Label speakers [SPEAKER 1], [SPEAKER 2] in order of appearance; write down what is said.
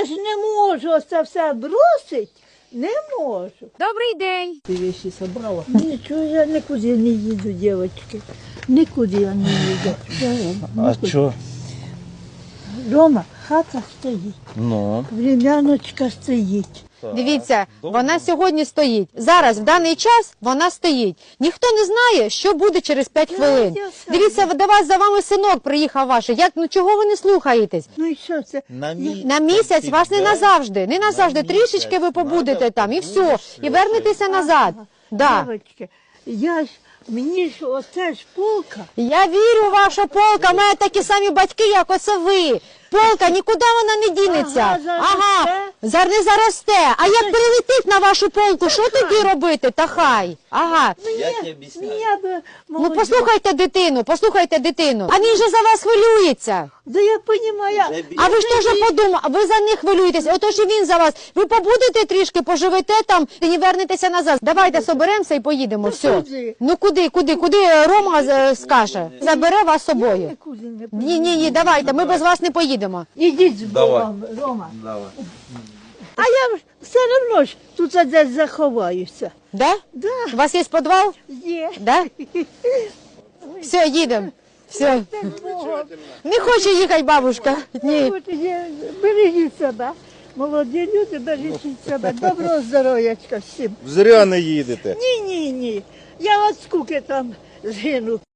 [SPEAKER 1] я ж не можу це все бросить. Не можу.
[SPEAKER 2] Добрий день.
[SPEAKER 1] Ти вещи собрала? Нічого, я нікуди не їду, дівчатки. Нікуди я не їду.
[SPEAKER 3] А що?
[SPEAKER 1] Дома хата стоїть,
[SPEAKER 3] Ну.
[SPEAKER 1] времяночка стоїть.
[SPEAKER 2] Дивіться, вона сьогодні стоїть. Зараз, в даний час, вона стоїть. Ніхто не знає, що буде через 5 хвилин.
[SPEAKER 1] я сам.
[SPEAKER 2] Дивіться, до вас за вами синок приїхав ваш. Ну чого ви не слухаєтесь?
[SPEAKER 1] Ну і що це?
[SPEAKER 2] На місяць вас не назавжди. Не назавжди. Трішечки ви побудете там і все. І вернетеся назад. Да.
[SPEAKER 1] Дівчатки, мені ж оце ж полка.
[SPEAKER 2] Я вірю, ваша полка. У мене такі самі батьки, як оце ви. Полка, нікуди вона не дінеться.
[SPEAKER 1] Ага,
[SPEAKER 2] Не заросте. А як прилетить на вашу полку, що тоді робити? Та хай. Ага.
[SPEAKER 3] Я тебе об'ясняю.
[SPEAKER 2] Ну послухайте дитину. А він же за вас хвилюється.
[SPEAKER 1] Да я розумію.
[SPEAKER 2] А ви ж теж подумали, ви за них хвилюєтесь, отож і він за вас. Ви побудете трішки, поживете там і вернетеся назад. Давайте соберемося і поїдемо, все.
[SPEAKER 1] куди?
[SPEAKER 2] Ну куди Рома скаже? Забере вас з собою.
[SPEAKER 1] Нікуди не поїду.
[SPEAKER 2] Ні, давайте, ми без вас не поїдемо.
[SPEAKER 1] Ідіть з Богом, Рома. А я все одно ж тут десь заховаюся.
[SPEAKER 2] Да?
[SPEAKER 1] Да,
[SPEAKER 2] У вас є підвал?
[SPEAKER 1] є.
[SPEAKER 2] Да? Все, їдемо. Все.
[SPEAKER 1] З Богом.
[SPEAKER 2] Не хоче їхати бабушка. Ні.
[SPEAKER 1] От є. Бережіть себе. Молоді люди, бережіть себе. Доброго здоров'ячка всім.
[SPEAKER 3] Зря не їдете.
[SPEAKER 1] Ні. Я от скуки там згину.